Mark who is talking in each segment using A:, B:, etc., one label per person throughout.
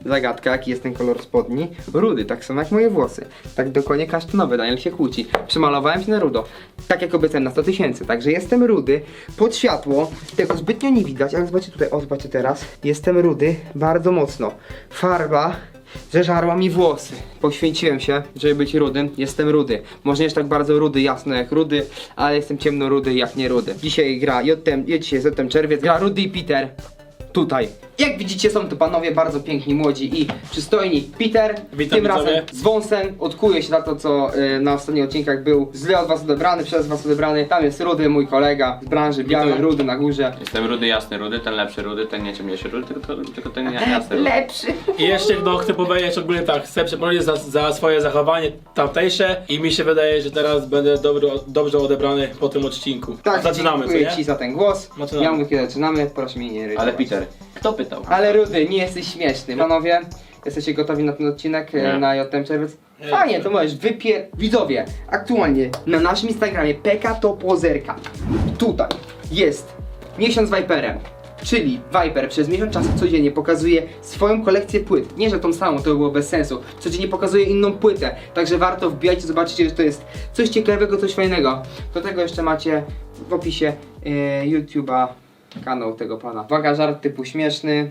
A: zagadka, jaki jest ten kolor spodni. Rudy, tak samo jak moje włosy. Tak dokładnie kasztanowy, Daniel się kłóci. Przemalowałem się na rudo. Tak jak obiecałem na 100 000, także jestem rudy. Pod światło, tego zbytnio nie widać, ale zobaczcie tutaj, o zobaczcie teraz. Jestem rudy, bardzo mocno. Farba zeżarła mi włosy. Poświęciłem się, żeby być rudym. Jestem rudy. Może nie jest tak bardzo rudy, jasno jak rudy, ale jestem ciemno rudy jak nie rudy. Dzisiaj gra dzisiaj jest czerwiec, gra Rudy i Peter. Tutaj. Jak widzicie, są to panowie bardzo piękni, młodzi i przystojni. Peter,
B: Witam,
A: tym razem
B: widzowie.
A: z wąsem, odkuje się na to, co na ostatnich odcinkach był źle od was odebrany, przez was odebrany. Tam jest Rudy, mój kolega z branży, biały,
B: Witam.
A: rudy na górze.
C: Jestem rudy, jasny rudy, ten lepszy rudy, ten nie ciemniejszy rudy, tylko ten jasny rudy.
A: Lepszy.
B: I jeszcze chcę powiedzieć ogólnie tak, chcę przeprosić za swoje zachowanie tamtejsze i mi się wydaje, że teraz będę dobrze odebrany po tym odcinku.
A: Tak,
B: Zaczynamy, co
A: dziękuję
B: nie?
A: ci za ten głos.
B: Zaczynamy.
A: Ja mówię, kiedy zaczynamy, proszę mnie nie rysować.
C: Ale Peter, kto pytał?
A: Ale Rudy, nie jesteś śmieszny. Panowie, jesteście gotowi na ten odcinek,
C: Nie.
A: na JTM Czerwiec?
B: Nie.
A: Fajnie, to możesz widzowie, aktualnie na naszym Instagramie PK Topozerka. Tutaj jest miesiąc z Viperem. Czyli Viper przez miesiąc czasu codziennie pokazuje swoją kolekcję płyt. Nie, że tą samą, to by było bez sensu. Codziennie pokazuje inną płytę. Także warto wbijajcie, zobaczycie, że to jest coś ciekawego, coś fajnego. Do tego jeszcze macie w opisie YouTube'a kanał tego pana. Uwaga, żart typu śmieszny.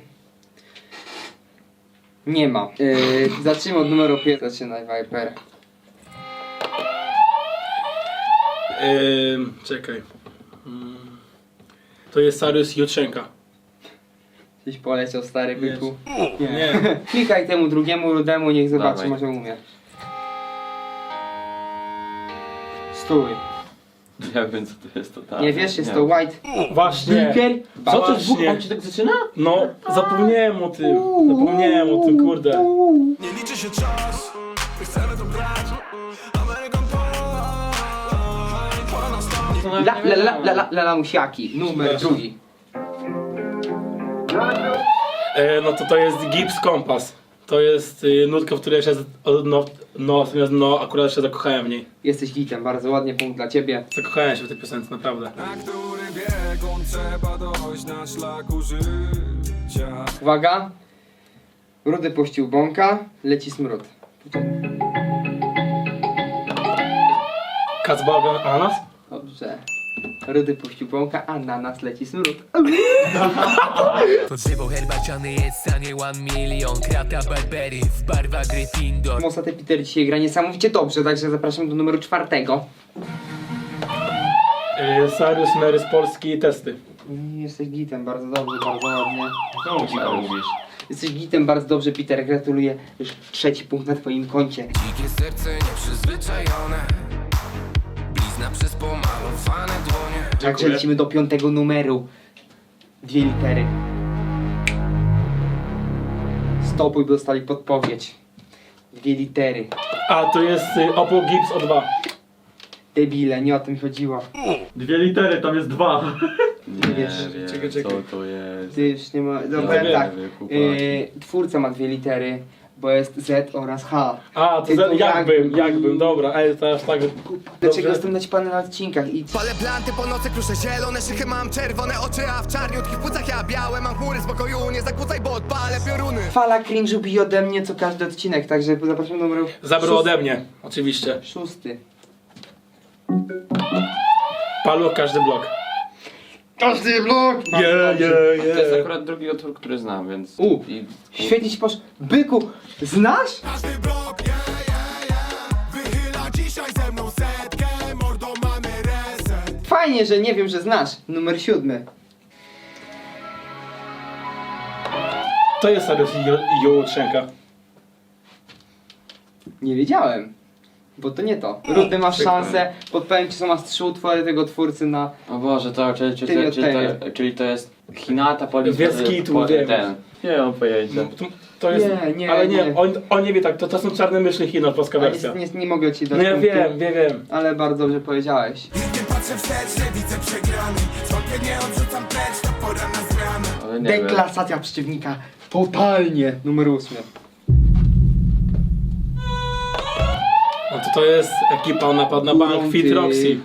A: Nie ma. Zacznijmy od numeru 5. Zaczynaj, Viper.
B: Czekaj. To jest Sariusz Jutrzenka.
A: Gdzieś poleciał stary byku.
B: Nie.
A: Klikaj temu drugiemu rudemu, niech zobaczy,
C: Dawaj.
A: może umie. Stój.
C: Ja wiem co to jest totalnie.
A: Nie wiesz, jest to White
B: Właśnie.
A: Beaker.
B: Co to
A: Bałasz.
B: jest?
C: On się tak zaczyna?
B: No, zapomniałem o tym. Zapomniałem o tym, kurde.
D: Nie liczy się czas, my chcemy to brać. American Pie, pora na start.
A: La musiaki, numer drugi.
B: No to jest Gibbs Kompas. To jest nutka, w której się akurat się zakochałem w niej.
A: Jesteś gitem, bardzo ładnie, punkt dla ciebie.
B: Zakochałem się w tej piosence, naprawdę.
D: Na który bieg on trzeba dojść na szlaku życia.
A: Uwaga. Rudy puścił bąka, leci smród.
B: Kacbaga Ananas?
A: Dobrze. Rudy puścił bąka, a na nas leci smród.
E: To drzewo herbaciane jest w stanie 1 milion. Krata Barbery w barwach Gryffindor.
A: Mostaty Peter dzisiaj gra niesamowicie dobrze, także zapraszam do numeru 4.
B: Sariusz Mary z Polski testy.
A: Jesteś gitem, bardzo dobrze, bardzo ładnie.
C: Czemu ci to mówisz?
A: Jesteś gitem, bardzo dobrze, Peter. Gratuluję. Już 3. punkt na twoim koncie.
E: Dzikie serce nieprzyzwyczajone. Blizna przez pomalowane dłonie.
A: Także lecimy do 5. numeru. 2 litery. Stopuj, by dostali podpowiedź. 2 litery.
B: A to jest Oppo Gibbs O2.
A: Debile, nie o tym chodziło.
F: 2 litery, tam jest 2.
C: Nie
A: wiesz,
C: wiem,
B: czekaj.
C: co to jest.
A: Ty już nie ma... Dobra,
B: wiem,
A: tak.
C: wiem, chłopaki.
A: Twórca ma 2 litery, bo jest Z oraz H.
B: A, to
A: Tytuł
B: jakbym, dobra, ale to aż tak.
A: Dlaczego
B: Dobrze.
A: jestem naćpany na odcinkach i...
G: Palę planty po nocy, kruszę zielone szychy, mam czerwone oczy, a w czarniutkich płucach ja białe. Mam chmury spokoju, nie zakłócaj, bo odpalę pioruny.
A: Fala cringe'u bije ode mnie co każdy odcinek, także zapraszam do numeru...
B: Zabrał ode mnie, oczywiście.
A: 6.
B: Paluch każdy blok.
A: Każdy blok!
B: Yeah, yeah,
C: To jest
B: yeah.
C: akurat drugi utwór, który znam, więc... I...
A: Świetnie ci poszło. Byku, znasz?
D: Każdy blok, wychyla dzisiaj ze mną setkę. Mordo, mamy reset.
A: Fajnie, że nie wiem, że znasz. Numer 7.
B: To jest Sariusz Jutrzenka.
A: Nie wiedziałem. Bo to nie to. Rudy, masz szansę. Podpowiem ci, co masz 3 utwory tego twórcy na...
C: O Boże, to, czyli to jest Hinata, Policja...
B: Wielskitu, wiem.
C: Ten. Nie mam pojęcia.
B: To jest,
A: Nie,
B: ale nie,
A: nie.
B: on nie wie tak, to są czarne myszki Chino, polska wersja.
A: Nie mogę ci dać
B: No ja
A: punktu,
B: wiem.
A: Ale bardzo dobrze powiedziałeś.
D: Nie patrzę wstecz, nie widzę przegrany. Zwątpię nie odrzucam precz, to pora na zmianę.
C: Ale nie wiem.
A: Deklasacja przeciwnika. Totalnie. Numer 8.
B: No to jest ekipa, on napadł na bank Fit Roxy.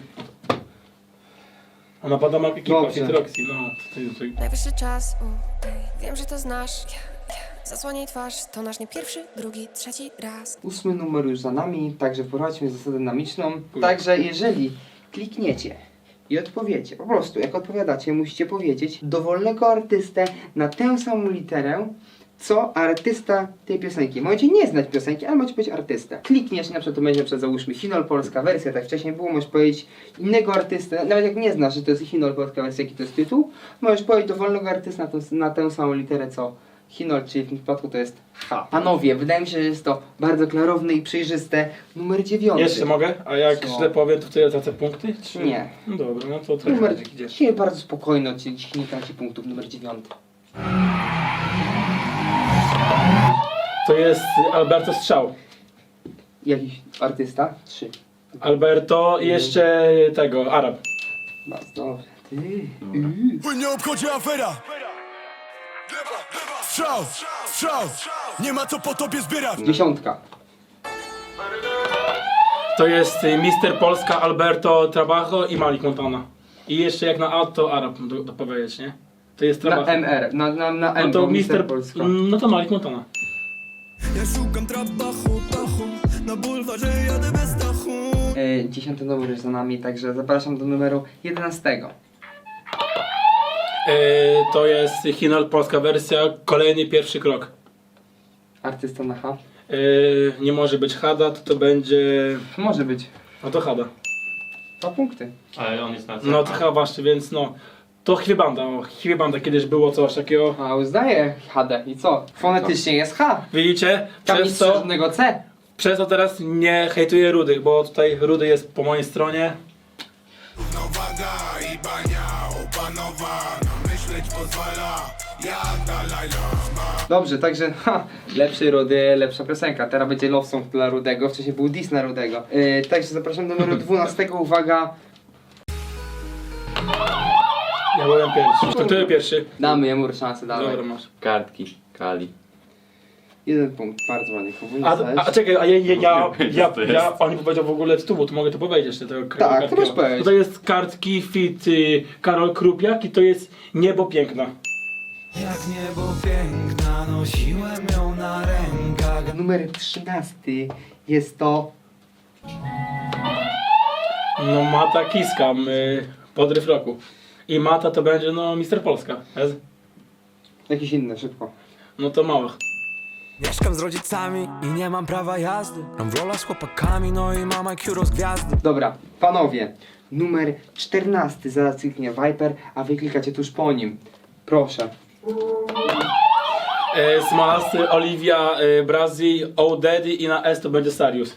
B: On napadł na bank ekipa
A: Dobrze.
B: Fit Roxy, no. To jest...
H: Najwyższy czas, wiem, że to znasz. Zasłaniaj twarz, to nasz nie pierwszy, drugi, trzeci raz.
A: 8 numer już za nami, także wprowadźmy zasadę dynamiczną. Także jeżeli klikniecie i odpowiecie, po prostu jak odpowiadacie, musicie powiedzieć dowolnego artystę na tę samą literę, co artysta tej piosenki. Możecie nie znać piosenki, ale możecie powiedzieć artystę. Klikniesz, na przykład to będzie załóżmy Hinol polska wersja, tak wcześniej było, możesz powiedzieć innego artystę, nawet jak nie znasz, że to jest Hinol polska wersja, jaki to jest tytuł, możesz powiedzieć dowolnego artysta na tę samą literę, co Hinol, czyli w tym przypadku to jest H. Panowie, wydaje mi się, że jest to bardzo klarowne i przejrzyste. Numer 9.
B: Jeszcze mogę? A jak
A: Co?
B: źle powiem, to wtedy tracę punkty? Czy...
A: Nie.
B: No dobra, no to trochę
A: Numer
B: idziesz.
A: dzisiaj bardzo spokojny odcinek, dzisiaj nie traci punktów. Numer 9.
B: To jest Alberto Strzał.
A: Jakiś artysta? 3.
B: Alberto i jeszcze tego, Arab.
A: Bardzo dobrze. Ty.
G: Nie obchodzi afera. Strzał, strzał, nie ma co po tobie zbierać.
A: 10.
B: To jest Mister Polska, Alberto Trabajo i Malik Montana. I jeszcze jak na A to Arab dopowiedzieć, nie? To jest
A: Na
B: Trabajo.
A: MR. Na M.
B: No to
A: bo
B: Mister
A: Polska.
B: No to Malik Montana.
G: Ja szukam trabachu, na bulwarze jadę bez dachu.
A: 10 numer jest za nami, także zapraszam do numeru 11.
B: To jest Hinol polska wersja, kolejny pierwszy krok.
A: Artysta na H.
B: Nie może być Hada, to będzie...
A: Może być.
B: No to Hada.
A: 2 punkty.
C: Ale on jest na
B: No to chyba właśnie, więc no... To Chwiebanda, Chwiebanda kiedyś było coś takiego.
A: A uznaję HD. I co? Fonetycznie jest H.
B: Widzicie?
A: Tam
B: Przez
A: nic
B: to,
A: żadnego C.
B: przez to teraz nie hejtuję Rudych, bo tutaj Rudy jest po mojej stronie.
G: Nowaga i bania opanowana, myśleć pozwala, jak Dalaj Lama.
A: Dobrze, także lepszy Rudy, lepsza piosenka. Teraz będzie love song dla Rudego, wcześniej był diss na Rudego. Także zapraszam do numeru 12. Uwaga,
B: Ja byłem pierwszy. To który pierwszy?
A: damy jemu szansę, dawaj.
B: Dobra, masz.
C: Kartki, Kali.
A: 1 punkt, bardzo ładnie.
B: A czekaj, on nie powiedział w ogóle tytułu, to mogę to powiedzieć jeszcze tego
A: Tak, to możesz powiedzieć.
B: To jest kartki fit Karol Krupiak i to jest Niebo Piękna.
I: Jak niebo piękna, nosiłem ją na rękach.
A: Numer 13 jest to
B: No Mata Kiska, podryw roku. I Mata to będzie no Mister Polska.
A: jakiś inny, szybko.
B: No to Małych.
I: Mieszkam z rodzicami i nie mam prawa jazdy. Gram w rola z chłopakami, no i mam IQ rozgwiazdy.
A: Dobra, panowie, numer 14 zaraz kliknie Viper, a wy klikacie tuż po nim. Proszę.
B: Smolasty, Olivia, Brazil, O Daddy i na S to będzie Sarius.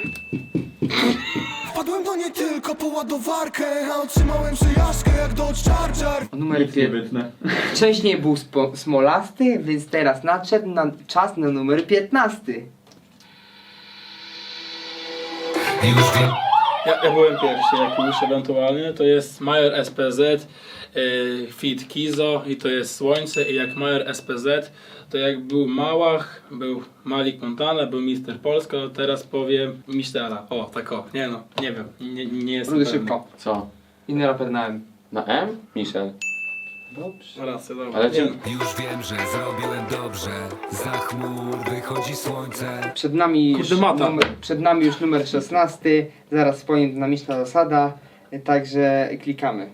G: Wpadłem do niej tylko po ładowarkę, a otrzymałem przejażdżkę jak Dodge Charger.
A: Numer
F: Nie
A: 5.
F: wytnę.
A: Wcześniej był Smolasty, więc teraz nadszedł czas na numer 15.
B: Ja byłem pierwszy, jak już ewentualnie. To jest Major SPZ, Fit Kizo i to jest Słońce. I jak Major SPZ, to jak był Małach, był Malik Montana, był Mister Polska, to teraz powiem Mistera. O, tak o, nie no, nie wiem, nie jestem
A: Rudy
B: pewny.
A: szybko.
C: Co?
A: Inny raper na M.
C: Na M? Michel.
A: Dobrze.
B: Racja, dobra.
C: Ale
B: Nie
C: czy...
B: no.
I: Już wiem, że zrobiłem dobrze. Za chmur wychodzi słońce.
A: Przed nami, już
B: Kurde, mata.
A: przed nami już numer 16. Zaraz powiem dynamiczna zasada. Także klikamy.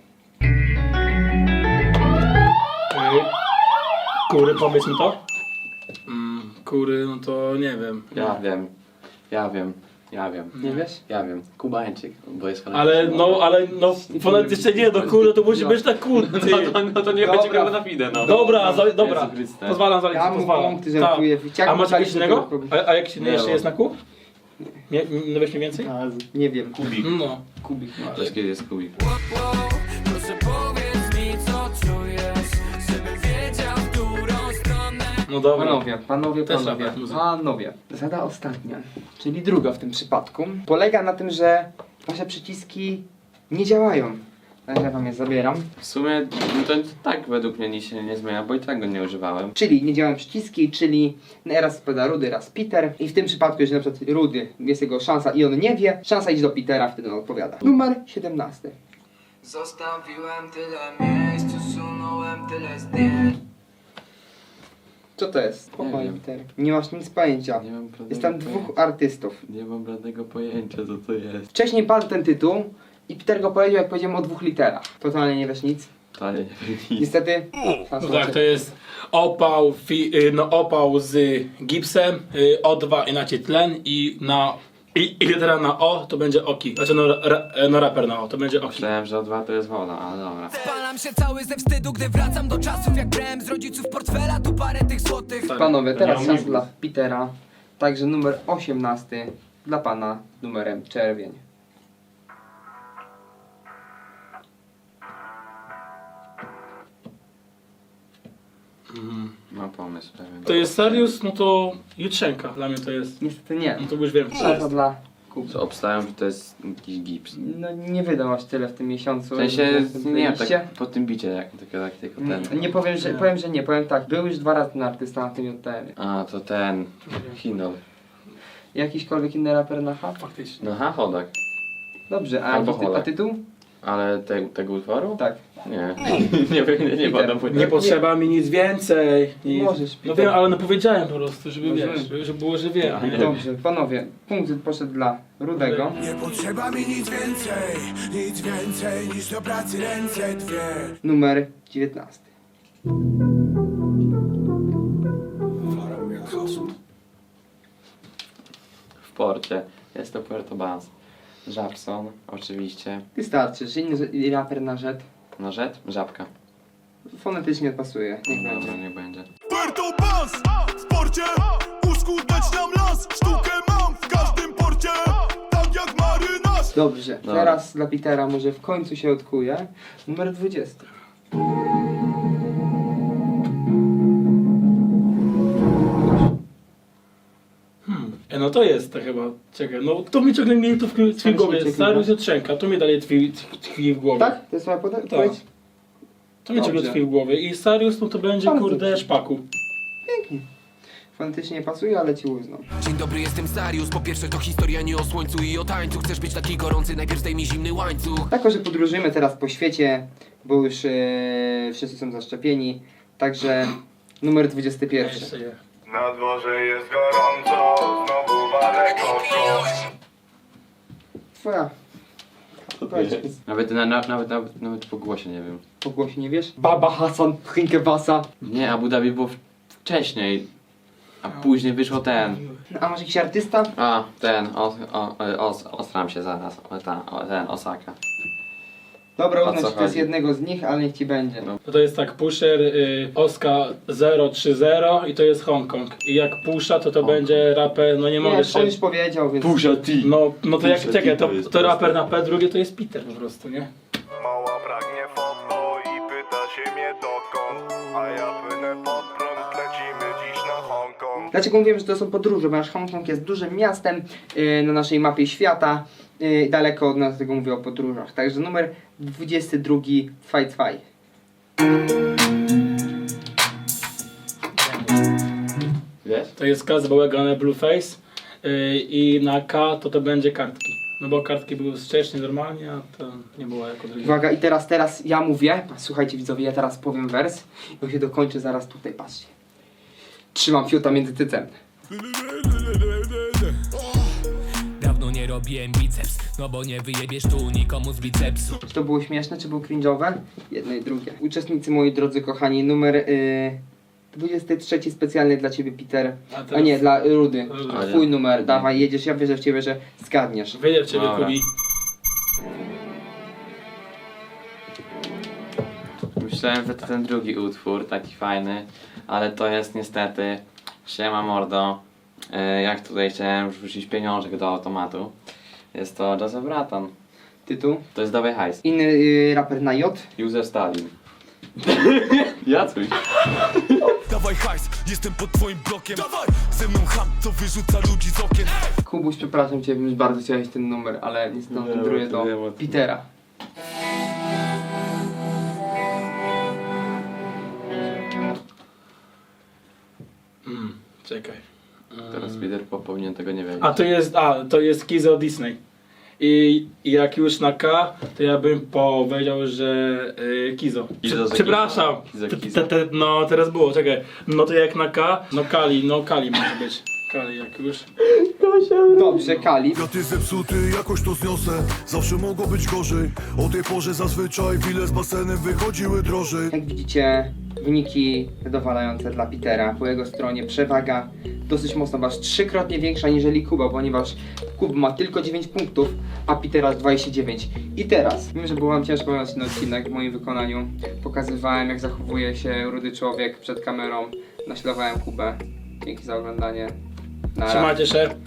B: Kury, powiedz mi to? Kury, no to nie wiem.
C: Ja wiem.
A: Nie wiesz?
C: Ja wiem. Kubańczyk, bo jest
B: Ale fonetycznie nie, do kury to musi być tak kurty.
C: No to nie
A: Dobra.
C: będzie grał na fide, no.
B: Dobra, dobra.
C: Jezu Chryste.
B: Pozwalam zaliczyć,
A: Ja mu
B: pozwalam.
A: punkty żartuję.
B: Tak.
A: Jak
B: A masz
A: wstali,
B: jakieś
A: to
B: innego?
A: robię.
B: A jakiś inny
C: Nie
B: jeszcze
C: mam.
B: jest na kół? No weź mi więcej?
A: Nie wiem.
C: Kubik.
B: No.
A: Kubik.
C: To jest kiedy jest kubik.
I: Proszę powiedz mi, co czujesz, żebym wiedział, w którą stronę.
B: No dobra.
A: Panowie.
B: Też raper, muzyka.
A: Panowie. Zasada ostatnia, czyli druga w tym przypadku, polega na tym, że wasze przyciski nie działają. Także ja wam je zabieram.
C: W sumie no to tak według mnie nic się nie zmienia, bo i tak go nie używałem.
A: Czyli nie działają przyciski, czyli raz odpowiada Rudy, raz Peter. I w tym przypadku, jeżeli na przykład Rudy jest jego szansa i on nie wie, szansa idzie do Petera, wtedy on odpowiada. Numer 17.
I: Zostawiłem tyle miejsc, usunąłem tyle zdjęć.
A: Co to jest? Spokojnie,
C: wiem.
A: Peter. Nie masz nic pojęcia.
C: Nie mam bladego
A: Jest tam dwóch artystów.
C: Nie mam bladego pojęcia, co to jest.
A: Wcześniej padł ten tytuł i Peter go powiedział, jak powiedziałem o 2 literach. Totalnie nie wiesz nic.
C: Ale nie wiem nic.
A: Niestety...
B: No tak, to jest opał, opał z gipsem, O2 inaczej tlen i litera na O to będzie oki. Znaczy no raper na O to będzie oki.
C: Myślałem, że O2 to jest woda, ale dobra.
I: Spalam się cały ze wstydu, gdy wracam do czasów jak brałem z rodziców portfela, tu parę tych złotych.
A: Panowie, teraz
B: Ja
A: czas
B: mam-
A: dla Petera. Także numer 18 dla pana numerem czerwień.
C: Mam pomysł pewien.
B: To jest Sarius, no to Jutrzenka dla mnie to jest.
A: Niestety nie.
B: No to już wiem co to
A: Czas
B: jest.
A: dla Kuby.
C: Co obstawiam, że to jest jakiś gips.
A: No nie wydał aż tyle w tym miesiącu.
C: W sensie,
A: żeby w tym
C: nie,
A: playliście.
C: tak po tym bicie, jak tylko ten.
A: Nie powiem, że powiem, że nie. Powiem tak. Był już 2 razy ten artysta na tym JTM-ie.
C: A, to ten. Hinol.
A: Jakiśkolwiek inny raper na H?
B: Faktycznie.
C: No ha, chodak.
A: Dobrze, a
C: Albo
A: jaki
C: Holak.
A: tytuł?
C: Ale tego utworu?
A: Tak.
C: Nie. nie badam
B: Nie potrzeba mi nic więcej.
A: Możesz,
B: No
A: Peter.
B: wiem, ale no powiedziałem po prostu, żeby
A: Możemy.
B: wiesz, żeby było, że wiem. nie?
A: Dobrze, panowie. Punkt poszedł dla Rudego.
G: Nie potrzeba mi nic więcej niż do pracy ręce dwie.
A: Numer 19.
C: W porcie. Jest to Puerto Banz. Żabson, oczywiście.
A: Wystarczy, że inny raper na rzet.
C: No rzet? Żabka.
A: Fonetycznie pasuje. Niech
C: Dobra,
A: będzie.
C: niech będzie.
G: Puerto Banz w sporcie uskuteczniam las. Sztukę mam w każdym porcie, tak jak marynarz.
A: Dobrze,
C: Dobra.
A: teraz dla Petera może w końcu się odkuje. Numer 20.
B: No to jest to chyba. Czekaj, no to mi ciągle mnie tu tkwi w głowie.
A: ciągle.
B: Sarius Jutrzenka, to mi dalej tkwi w głowie.
A: Tak? To jest moja odpowiedź?
B: To mi ciągle
A: Dobrze.
B: tkwi w głowie. I Sarius, no to będzie
A: Bardzo
B: kurde
A: dobrze.
B: szpaku.
A: Pięknie. Fonetycznie nie pasuje, ale ci uznam.
E: Dzień dobry, jestem Sarius. Po pierwsze to historia nie o słońcu i o tańcu. Chcesz być taki gorący, najpierw zdejmij zimny łańcuch.
A: Jako, że podróżujemy teraz po świecie, bo już wszyscy są zaszczepieni, także numer 21.
B: Jeszcze je.
G: Na dworze jest gorąco, znowu walę koko.
A: Twoja. Powiedz,
C: Nawet po głosie nie wiem.
A: po głosie nie wiesz? Baba Hasan, Hinkebasa.
C: Nie, Abu Dhabi było wcześniej. A później wyszło ten.
A: A masz jakiś artysta?
C: A, ten. Ostram się zaraz. Ten, Osaka.
A: Dobra,
C: O co
A: uznam, że to jest
C: chodzi?
A: jednego z nich, ale niech ci będzie.
C: No.
B: To jest tak, Pusher, Oska 030 i to jest Hongkong. I jak Pusha, to będzie raper, no nie mogę
A: Nie,
B: jeszcze...
A: on już powiedział, więc...
C: T.
B: No to jak,
C: Pusha
B: czekaj,
C: T to jest
B: to raper
C: proste.
B: na P, drugie to jest Peter po prostu, nie?
G: Mała pragnie foto i pyta się mnie dokąd. A ja płynę pod prąd, lecimy dziś na Hongkong.
A: Dlaczego mówiłem, że to są podróże? Ponieważ Hongkong jest dużym miastem na naszej mapie świata. Daleko od nas, dlatego mówię o podróżach. Także numer 22, Fight Fight.
C: Wiesz?
B: To jest K z bałagane Blueface i na K to będzie kartki. No bo kartki były wcześniej normalnie, a to nie było jako drugie.
A: Uwaga, i teraz ja mówię. Słuchajcie widzowie, ja teraz powiem wers. I on się dokończy zaraz tutaj, patrzcie. Trzymam fiuta między cycem.
E: Dawno nie robiłem biceps, no bo nie wyjebiesz tu nikomu z bicepsu.
A: Czy to było śmieszne, czy było cringe'owe? Jedno i drugie. Uczestnicy, moi drodzy kochani, numer 23 specjalny dla ciebie, Peter.
B: A
A: A
B: teraz-
A: nie, dla Rudy.
B: Rudy.
A: Twój numer, dawaj, jedziesz, ja wierzę w ciebie, że zgadniesz.
B: Wyjdę w ciebie,
C: Dobra.
B: Kubi.
C: Myślałem, że to ten drugi utwór, taki fajny, ale to jest niestety Siema Mordo. Jak tutaj chciałem wrzucić pieniążek do automatu. Jest to Joseph Braton.
A: Tytuł.
C: To jest Dawaj Hajs.
A: Inny raper na J.
C: Józef Stalin. Jacuś.
G: Dawaj hajs, jestem pod twoim blokiem. Dawaj, ze mną ham, to wyrzuca ludzi z okien.
A: Kubuś, przepraszam cię, już bardzo chciałeś ten numer, ale niestety
C: Nie,
A: wędruję
C: to
A: do
C: wiem o tym.
A: Petera.
B: Czekaj.
C: Teraz Peter powinien tego nie wiedzieć.
B: To jest Kizo Disney. I jak już na K, to ja bym powiedział, że Kizo.
C: Kizo, że
B: Przepraszam.
C: Kizo.
B: No teraz było, czekaj. No to jak na K, no Kali może być. Kali jak już.
A: Dobrze, Kali.
D: Ja ty zepsuty, jakoś to zniosę. Zawsze mogło być gorzej. O tej porze zazwyczaj wile z basenem wychodziły drożej.
A: Jak widzicie, wyniki zadowalające dla Petera. Po jego stronie przewaga dosyć mocno, aż 3-krotnie większa niżeli Kuba, ponieważ Kuba ma tylko 9 punktów, a Peter aż 29. I teraz, wiem, że było wam ciężko oglądać ten odcinek w moim wykonaniu. Pokazywałem, jak zachowuje się rudy człowiek przed kamerą. Naśladowałem Kubę. Dzięki za oglądanie. Na
B: Trzymajcie się.